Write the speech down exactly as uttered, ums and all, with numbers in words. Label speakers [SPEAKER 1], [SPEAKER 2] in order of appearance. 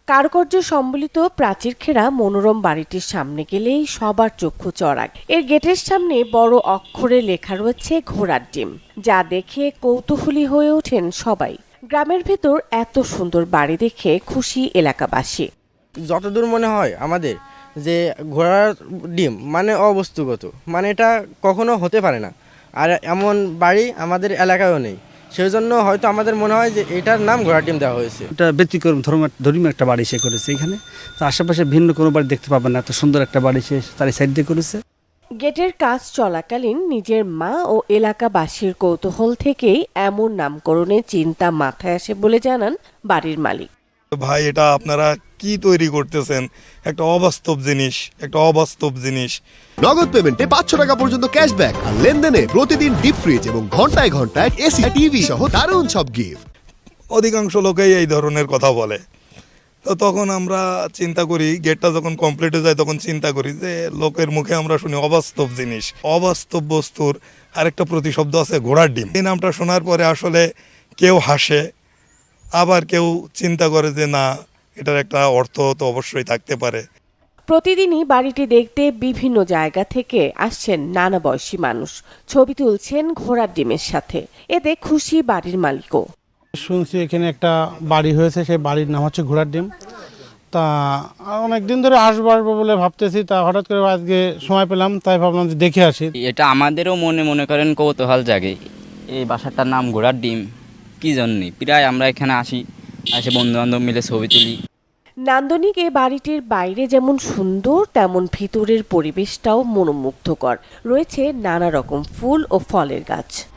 [SPEAKER 1] কারুকার্য সম্বলিত প্রাচীর ঘেরা মনোরম বাড়িটির সামনে গেলেই সবার চক্ষু চড়াক। এর গেটের সামনে বড় অক্ষরে লেখা রয়েছে ঘোড়ার ডিম, যা দেখে কৌতূহলী হয়ে ওঠেন সবাই। গ্রামের ভেতর এত সুন্দর বাড়ি দেখে খুশি এলাকাবাসী।
[SPEAKER 2] যতদূর মনে হয় আমাদের যে ঘোড়ার ডিম মানে অবস্তুগত, মানে এটা কখনো হতে পারে না, আর এমন বাড়ি আমাদের এলাকায়ও নেই। সেই জন্য হয়তো আমাদের মনে হয় যে এটার নাম ঘোড়ার ডিম দেওয়া হয়েছে।
[SPEAKER 3] এটা ব্যতিক্রম ধর্মীয় একটা বাড়ি সে করেছে এখানে, তো আশেপাশে ভিন্ন কোনো বাড়ি দেখতে পাবেন না, এত সুন্দর একটা বাড়ি সে তার সাইড দিয়ে করেছে।
[SPEAKER 1] গেটের কাজ চলাকালীন নিজের মা ও এলাকাবাসীর কৌতূহল থেকেই এমন নামকরণের চিন্তা মাথায় আসে বলে জানান বাড়ির মালিক।
[SPEAKER 4] ভাই, এটা আপনারা কি তৈরি করতেছেন? একটা অবাস্তব জিনিস, একটা অবাস্তব জিনিস।
[SPEAKER 5] নগদ পেমেন্টে পাঁচশো টাকা পর্যন্ত ক্যাশব্যাক আর লেনদেনে প্রতিদিন ডিপ ফ্রিজ এবং ঘন্টায় ঘন্টায় এসি টিভি সহ দারুণ সব গিফট।
[SPEAKER 4] অধিকাংশ লোকেই এই ধরনের কথা বলে, তো তখন আমরা চিন্তা করি, গেটটা যখন কমপ্লিট হয়ে যায় তখন চিন্তা করি যে লোকের মুখে আমরা শুনি অবাস্তব জিনিস, অবাস্তব বস্তুর আরেকটা প্রতিশব্দ আছে ঘোড়ার ডিম। এই নামটা শোনার পরে আসলে কেউ হাসে, আবার কেউ চিন্তা করে যে না, এটার একটা অর্থ তো অবশ্যই থাকতে পারে।
[SPEAKER 1] প্রতিদিনই বাড়িটি দেখতে বিভিন্ন জায়গা থেকে আসছেন নানা বয়সী মানুষ, ছবি তুলছেন ঘোড়ার ডিমের সাথে। এতে খুশি বাড়ির মালিকও।
[SPEAKER 6] শুনছি এখানে একটা বাড়ি হয়েছে, সেই বাড়ির নাম হচ্ছে ঘোড়ার ডিম। তা অনেকদিন ধরে আসবো আসবো বলে ভাবতেছি, তা হঠাৎ করে আজকে সময় পেলাম, তাই ভাবলাম যে দেখে আসি।
[SPEAKER 7] এটা আমাদেরও মনে মনে করেন কৌতূহল জাগে। এই বাসাটার নাম ঘোড়ার ডিম কি জন্যে, প্রায় আমরা এখানে আসি, আসে বন্ধু বান্ধব মিলে ছবি তুলি।
[SPEAKER 1] নান্দনিক এ বাড়িটির বাইরে যেমন সুন্দর, তেমন ভিতরের পরিবেশটাও মনোমুগ্ধকর। রয়েছে নানা রকম ফুল ও ফলের গাছ।